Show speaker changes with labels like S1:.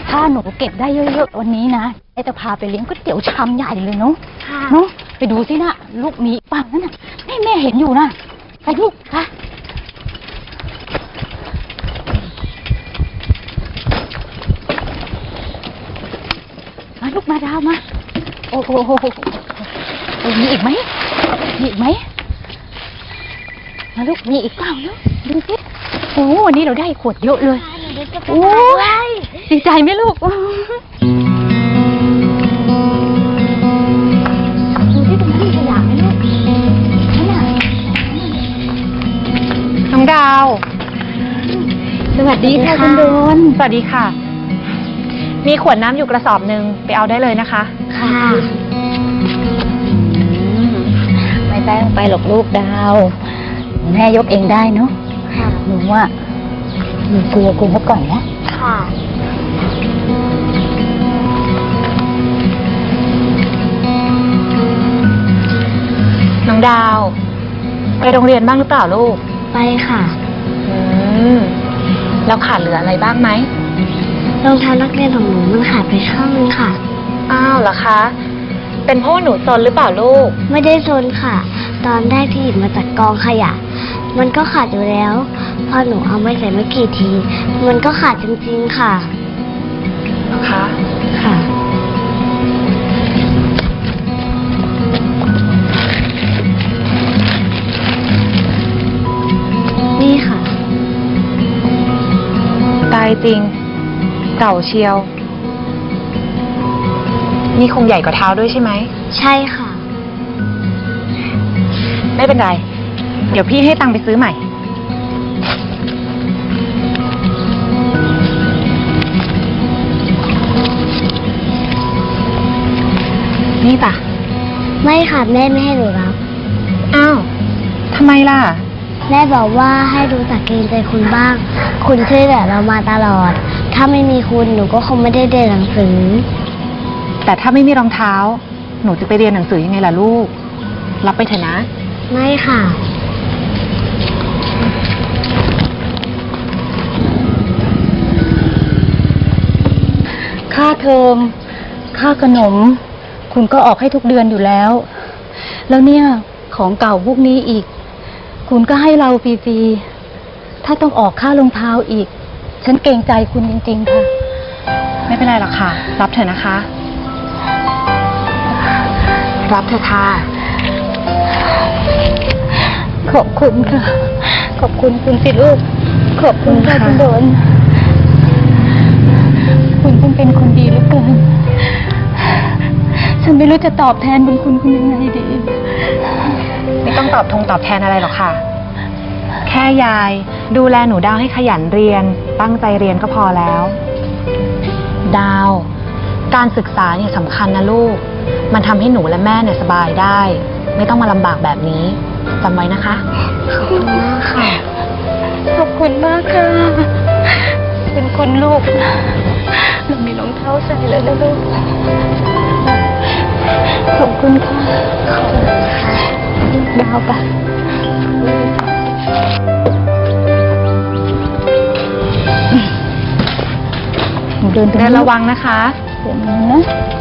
S1: ถ้าหนูเก็บได้เยอะๆวันนี้นะจะพาไปเลี้ยงก๋วยเตี๋ยวชามใหญ่เลยเนาะเนาะไปดูสินะลูกมีปังนั่นน่ะนี่แม่เห็นอยู่นะไปลูกไปมาลูกมาดาวมาโอ้โหมีอีกไหมมีอีกไหมมาลูกมีอีกเปล่าลูกดูสิโอ้วันนี้เราได้ขวดเยอะเลยโอ้ยดีใจไหมลูกดูที่ตรงนั้นมีขยะไหมลูกนี่น่ะ
S2: น้องดาว
S1: สวัสดีค่ะคุณโดน
S2: สวัสดีค่ะมีขวดน้ำอยู่กระสอบหนึ่งไปเอาได้เลยนะคะ
S1: ค่ะไม่ต้องไปหรอกลูกดาวแม่ยกเองได้เนาะหนูว่าหนูกลัวคุณเขาก่อนนะค่ะ
S2: น้องดาวไปโรงเรียนบ้างหรือเปล่าลูก
S3: ไปค่ะ
S2: แล้วขาดเหลืออะไรบ้างไหม
S3: รองเท้านักเรียนของหนูมันขาดไปข้างนึงค่ะ
S2: อ้าวเหรอคะเป็นเพราะหนูซนหรือเปล่าลูก
S3: ไม่ได้ซนค่ะตอนแรกที่หยิบมาจากกองขยะมันก็ขาดอยู่แล้วพอหนูเอาไม่ใส่ไม่กี่ทีมันก็ขาดจริงๆค่ะ
S2: คะ
S3: ค่ะนี่ค่ะ
S2: ตายจริงเก่าเชียวนี่คงใหญ่กว่าเท้าด้วยใช่ไหม
S3: ใช่ค่ะ
S2: ไม่เป็นไรเดี๋ยวพี่ให้ตังค์ไปซื้อใหม่นี่ป่ะ
S3: ไม่ค่ะแม่ไม่ให้หนูรับ
S2: อ้าวทำไมล่ะ
S3: แม่บอกว่าให้ดูจากเกณฑ์ใจคุณบ้างคุณช่วยเหลือเรามาตลอดถ้าไม่มีคุณหนูก็คงไม่ได้เรียนหนังสือ
S2: แต่ถ้าไม่มีรองเท้าหนูจะไปเรียนหนังสือยังไงล่ะลูกรับไปเถอะนะ
S3: ไม่ค่ะ
S1: ค่าเทอมค่าขนมคุณก็ออกให้ทุกเดือนอยู่แล้วแล้วเนี่ยของเก่าพวกนี้อีกคุณก็ให้เราฟรีๆถ้าต้องออกค่ารองเท้าอีกฉันเกรงใจคุณจริงๆค่ะ
S2: ไม่เป็นไรหรอกค่ะรับเถอะนะคะรับเถอะค่ะ
S1: ขอบคุณค่ะขอบคุณคุณสิลูกขอบคุณค่ะคุณโดนคุณเป็นคนดีเหลือเกินฉันไม่รู้จะตอบแทนบุญคุณยังไงดี
S2: ไม่ต้องตอบแทนอะไรหรอกค่ะแค่ยายดูแลหนูดาวให้ขยันเรียนตั้งใจเรียนก็พอแล้วดาวการศึกษาเนี่ยสำคัญนะลูกมันทำให้หนูและแม่เนี่ยสบายได้ไม่ต้องมาลำบากแบบนี้จำไว้นะคะ
S3: ขอบคุณมากค่ะ
S1: ขอบคุณมากค่ะเป็นคุณลูกเรามีรองเท้าใส่แล้วนะลูกขอบคุณค่ะขอบคุณค่ะดาวปะเดิน
S2: ระวังนะคะ
S1: เดี๋ยวนะ